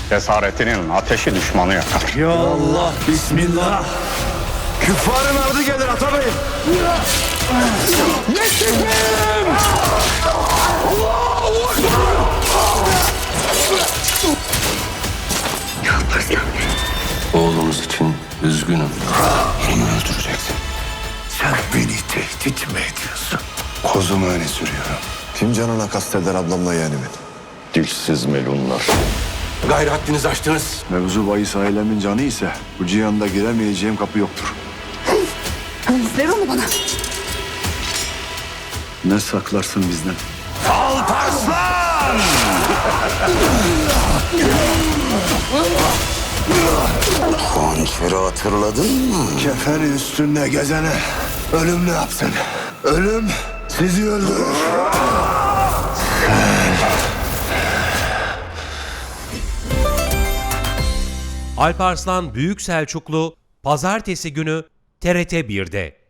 Cesaretinin ateşi düşmanı yakar. Ya Allah, bismillah. Küffarın ardı gelir Atabey. Yetişim! Oğlumuz için üzgünüm. Hanımı öldüreceksin. Sen beni tehdit mi ediyorsun? Kozumu öne sürüyorum. Kim canına kasteder ablamla yeğenimin? Dilsiz melunlar. Gayrı haddinizi aştınız. Mevzu bahis ailemin canı ise bu cihanda giremeyeceğim kapı yoktur. Ver onu bana. Ne saklarsın bizden? Alparslan! Hançeri hatırladın mı? Kefeni üstünde gezene ölüm ne yapsın? Ölüm sizi öldürür. Alparslan Büyük Selçuklu Pazartesi günü TRT 1'de.